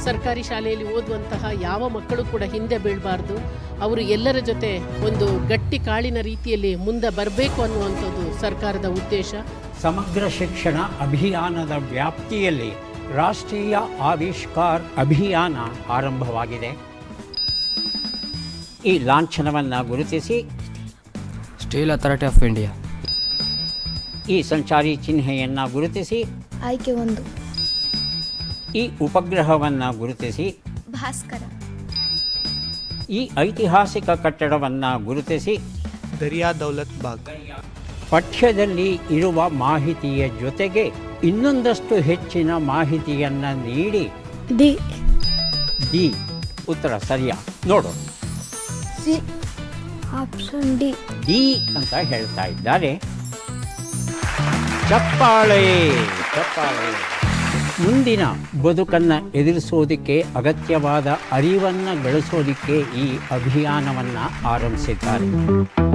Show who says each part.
Speaker 1: ಸರ್ಕಾರಿ ಶಾಲೆಯಲ್ಲಿ ಓದುವಂತಹ ಯಾವ ಮಕ್ಕಳು ಕೂಡ ಹಿಂದೆ ಬೀಳಬಾರ್ದು. ಅವರು ಎಲ್ಲರ ಜೊತೆ ಒಂದು ಗಟ್ಟಿ ಕಾಳಿನ ರೀತಿಯಲ್ಲಿ ಮುಂದೆ ಬರಬೇಕು ಅನ್ನುವಂಥದ್ದು ಸರ್ಕಾರದ ಉದ್ದೇಶ.
Speaker 2: ಸಮಗ್ರ ಶಿಕ್ಷಣ ಅಭಿಯಾನದ ವ್ಯಾಪ್ತಿಯಲ್ಲಿ ರಾಷ್ಟ್ರೀಯ ಆವಿಷ್ಕಾರ್ ಅಭಿಯಾನ ಆರಂಭವಾಗಿದೆ. ಈ ಲಾಂಛನವನ್ನು ಗುರುತಿಸಿ
Speaker 3: ಸ್ಟೀಲ್ ಅಥಾರಿಟಿ ಆಫ್ ಇಂಡಿಯಾ,
Speaker 2: ಈ ಸಂಚಾರಿ ಚಿಹ್ನೆಯನ್ನು ಗುರುತಿಸಿ
Speaker 4: ಆಯ್ಕೆ 1
Speaker 2: ಈ ಉಪಗ್ರಹವನ್ನು ಗುರುತಿಸಿ
Speaker 4: ಭಾಸ್ಕರ,
Speaker 2: ಈ ಐತಿಹಾಸಿಕ ಕಟ್ಟಡವನ್ನು ಗುರುತಿಸಿ
Speaker 5: ದರಿಯಾ ದೌಲತ್ ಬಾಗ್.
Speaker 2: ಪಠ್ಯದಲ್ಲಿ ಇರುವ ಮಾಹಿತಿಯ ಜೊತೆಗೆ ಇನ್ನೊಂದಷ್ಟು ಹೆಚ್ಚಿನ ಮಾಹಿತಿಯನ್ನು ನೀಡಿ ಡಿ ಉತ್ತರ ಸರಿಯಾ ನೋಡು.
Speaker 4: ಸಿ ಆಪ್ಷನ್ ಡಿ
Speaker 2: ಅಂತ ಹೇಳ್ತಾ ಇದ್ದಾರೆ. ಚಪ್ಪಾಳೆ ಚಪ್ಪಾಳೆ. ಮುಂದಿನ ಬದುಕನ್ನು ಎದುರಿಸೋದಕ್ಕೆ ಅಗತ್ಯವಾದ ಅರಿವನ್ನು ಗಳಿಸೋದಕ್ಕೆ ಈ ಅಭಿಯಾನವನ್ನು ಆರಂಭಿಸಿದ್ದಾರೆ.